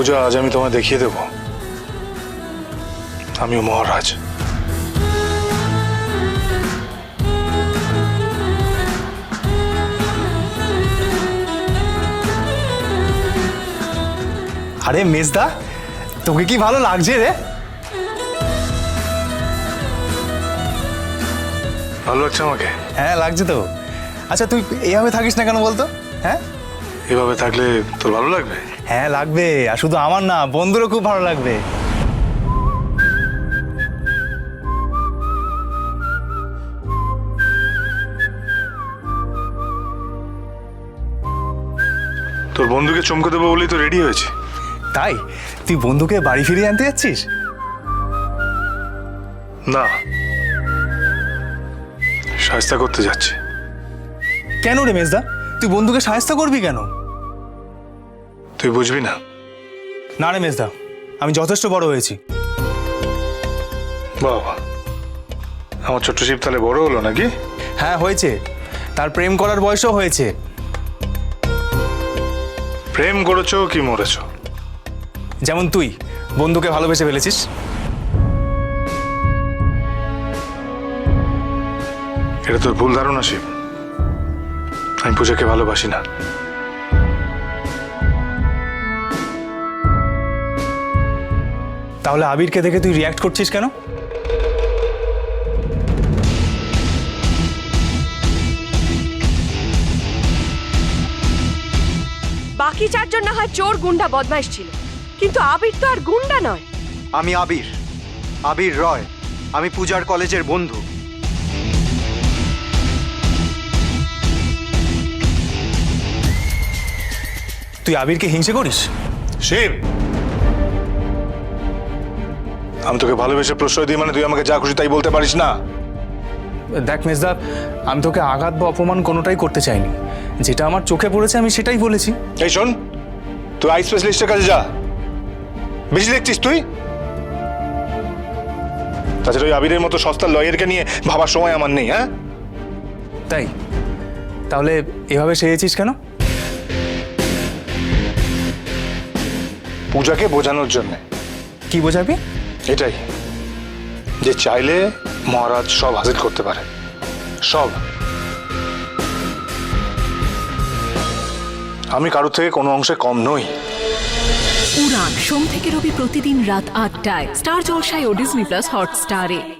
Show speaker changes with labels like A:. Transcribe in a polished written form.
A: পূজা, আজ আমি তোমায় দেখিয়ে দেব আমিও মহারাজ।
B: আরে মেজদা, তোকে কি ভালো লাগছে রে?
A: ভালো লাগছে আমাকে?
B: হ্যাঁ লাগছে তো। আচ্ছা তুই এইভাবে থাকিস না কেন বলতো? হ্যাঁ
A: এভাবে থাকলে তোর ভালো লাগবে?
B: হ্যাঁ লাগবে, আর শুধু আমার না, বন্ধুরও খুব ভালো লাগবে।
A: তোর বন্ধুকে চমকে দেবো বলেই তো রেডি হয়েছে।
B: তাই তুই বন্ধুকে বাড়ি ফিরিয়ে আনতে যাচ্ছিস?
A: না, শায়েস্তা করতে যাচ্ছে।
B: কেন রে মেজদা, তুই বন্ধুকে সাহায্য করবি কেন?
A: তুই বুঝবি না।
B: না রে মেজদা, আমি যথেষ্ট বড় হয়েছি।
A: বাবা, আমার ছোট্ট শিব তাহলে বড় হলো নাকি?
B: হ্যাঁ হয়েছে, তার প্রেম করার বয়সও হয়েছে।
A: প্রেম করেছো কি মরেছো?
B: যেমন তুই বন্ধুকে ভালোবেসে ফেলেছিস।
A: এটা তোর ভুল ধারণা শিব। আমি পূজাকে ভালোবাসি না।
B: তাহলে আবিরকে দেখে তুই রিয়াক্ট করছিস কেন?
C: বাকি চারজন না হয় চোর গুন্ডা বদমাইশ ছিল, কিন্তু আবির তো আর গুন্ডা নয়।
D: আমি আবির, আবির রয়। আমি পূজার কলেজের বন্ধু।
B: তুই আবিরকে হিংসে করিস?
A: শিব, আমি তোকে ভালোবেসে প্রশ্রয় দিই মানে তুই আমাকে যা খুশি তাই বলতে পারিস না।
B: দেখ মেজদা, আমি তোকে আঘাত বা অপমান কোনোটাই করতে চাইনি। যেটা আমার চোখে পড়েছে আমি সেটাই বলেছি।
A: এই শোন, তুই আই স্পেশালিস্টের কাছে যা। বেশি দেখছিস তুই। তাছাড়া ওই আবিরের মতো সস্তার লয়ারকে নিয়ে ভাবার সময় আমার নেই। হ্যাঁ,
B: তাই তাহলে এভাবে সেজেছিস কেন?
A: পূজাকে বোঝানোর জন্য।
B: কি বোঝাবি?
A: এটাই যে চাইলে মহারাজ সব হাসিল করতে পারে, সব। আমি কারোর থেকে কোনো অংশে কম নই।
E: উড়ান সোম থেকে রবি প্রতিদিন রাত ৮টায় স্টার জলসায় ও ডিজনি প্লাস হটস্টারে।